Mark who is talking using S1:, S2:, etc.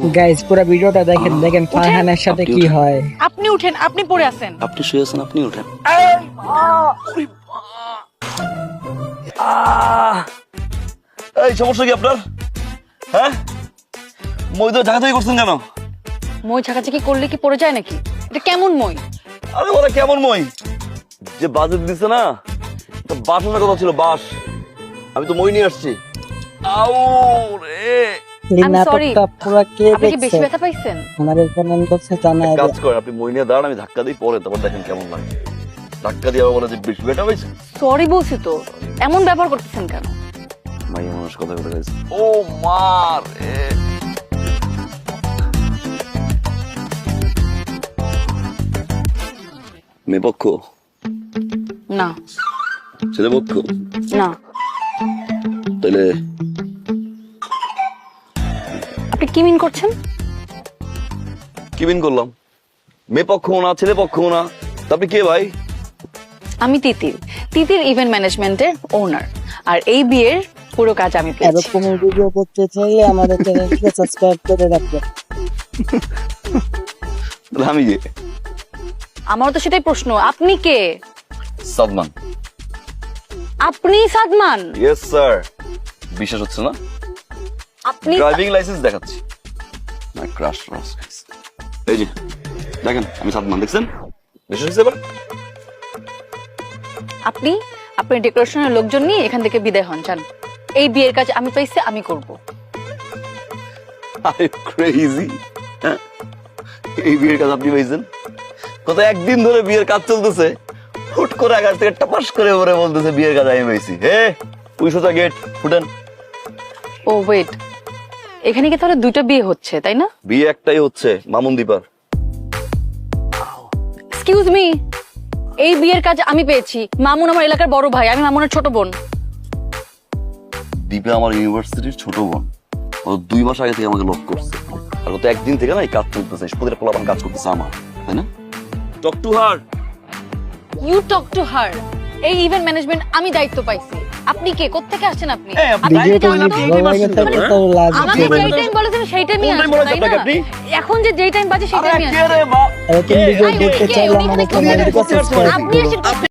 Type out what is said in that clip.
S1: Guys পুরো ভিডিওটা দেখেন, দেখেন ফারহানের সাথে কি হয়।
S2: আপনি উঠেন, আপনি পড়ে আছেন।
S3: আপনি শুয়ে আছেন, আপনি উঠেন। এই সমস্যা কি আপনার? হ্যাঁ, মই তো ঝাঁকাঝাঁকি করছেন কেন?
S2: মই ঝাঁকাঝাঁকি করলে কি পড়ে যায় নাকি? এটা কেমন মই?
S3: আরে ওরা কেমন মই? যে বাজেট দিছে না, বাস আনার কথা ছিল, বাস। আমি তো মই নিয়ে আসছি। আউ রে,
S1: এই
S2: I'm sorry.
S1: নাটকটা পুরো কে
S2: আপনি কি বেশি
S1: দেখছে?
S2: ব্যথা পাইছেন?
S1: আমাদের চ্যানেল করছে জানা
S3: কাজ করেন, আপনি মই নিয়ে দাঁড়ান, আমি ধাক্কা দিই, পরে তারপর দেখেন কেমন লাগে। ধাক্কা দিয়ে আবার বলে যে বেশি বেটা হয়েছে।
S2: সরি বলছি তো, এমন ব্যবহার করতেছেন কেন?
S3: মাইয়া মানুষ কথা বলে গেছে। ও মা রে, মেয়ে পক্ষ,
S2: না
S3: ছেলে পক্ষ,
S2: না,
S3: তাহলে
S2: আপনি কি মিন করছেন?
S3: কি বিন করলাম? মেয়ে পক্ষ না, ছেলে পক্ষ না, তা আপনি কে ভাই?
S2: আমি তিতির, তিতির ইভেন্ট ম্যানেজমেন্টের ওনার। আর এই বিয়ের পুরো কাজ আমি পেয়েছি।
S1: এরকম ভিডিও করতে চাইলে আমাদের চ্যানেলকে সাবস্ক্রাইব করে রাখবেন।
S3: তাহলে আমি কে?
S2: আমার তো সেটাই প্রশ্ন, আপনি কে?
S3: সাদমান।
S2: আপনি সাদমান?
S3: Yes sir. বিশ্বাস হচ্ছে না?
S2: আপনি
S3: ড্রাইভিং লাইসেন্স দেখাচ্ছি। মাই ক্রাশ রস। এই যে দেখেন, আমি সাদমান, দেখছেন? বিশ্বাস হচ্ছে এবার?
S2: আপনি আপনার ডেকোরেশনের লোকজন নিয়ে এখান থেকে বিদায় হন, যান। এই বিয়ের কাজ আমি পাইছি, আমি করব।
S3: আরে ক্রেজি। এই বিয়ের কাজ আপনি পাইছেন? কত একদিন ধরে বিয়ের কাজ চলতেছে, হুট করে আকাশ থেকে টাপাস করে পরে বলতেছে বিয়ের কাজ আমি পাইছি। হে, ওই সোজা গেট ফুটেন।
S2: ও ওয়েট, এখানে কি তাহলে দুইটা বিয়ে হচ্ছে, তাই না?
S3: বিয়ে একটাই হচ্ছে, মামুন দীপার।
S2: এক্সকিউজ মি, এই বিয়ের কাজ আমি পেয়েছি। মামুন আমার এলাকার বড় ভাই, আমি মামুনের ছোট বোন।
S3: দীপা আমার ইউনিভার্সিটির ছোট বোন। ও 2 মাস আগে থেকে আমাকে লক করছে, আর ও তো একদিন থেকে না এই কাজ চলতেছে, প্রতিটা পোলাপান কাজ করতেছে আমার, তাই না? Talk to her.
S2: You talk to her. এই ইভেন্ট ম্যানেজমেন্ট আমি দায়িত্ব পাইছি। আপনি কে? কোত্থেকে আসছেন আপনি?
S3: এই, আপনি
S2: আপনি
S1: ভিডিওটা
S2: জানেন
S1: যদি
S2: না?
S1: ভালো লাগে তাহলে তো লাইক
S2: আমাকে
S1: দিবেন।
S2: যেই টাইম বলেছেন সেই টাইমই
S3: কোন time
S2: আসবেন,
S3: বলেছে
S2: তাই
S3: আপনাকে
S2: না?
S3: আপনি?
S2: এখন যে যেই টাইম বাজে সেই
S3: আরে
S2: টাইমই
S3: কে
S2: আসবেন।
S3: রে বা?
S1: এরকম ভিডিও দেখতে চাইলে আমাদের চ্যানেলকে সাবস্ক্রাইব
S2: আপনি
S1: করুন।
S2: এসে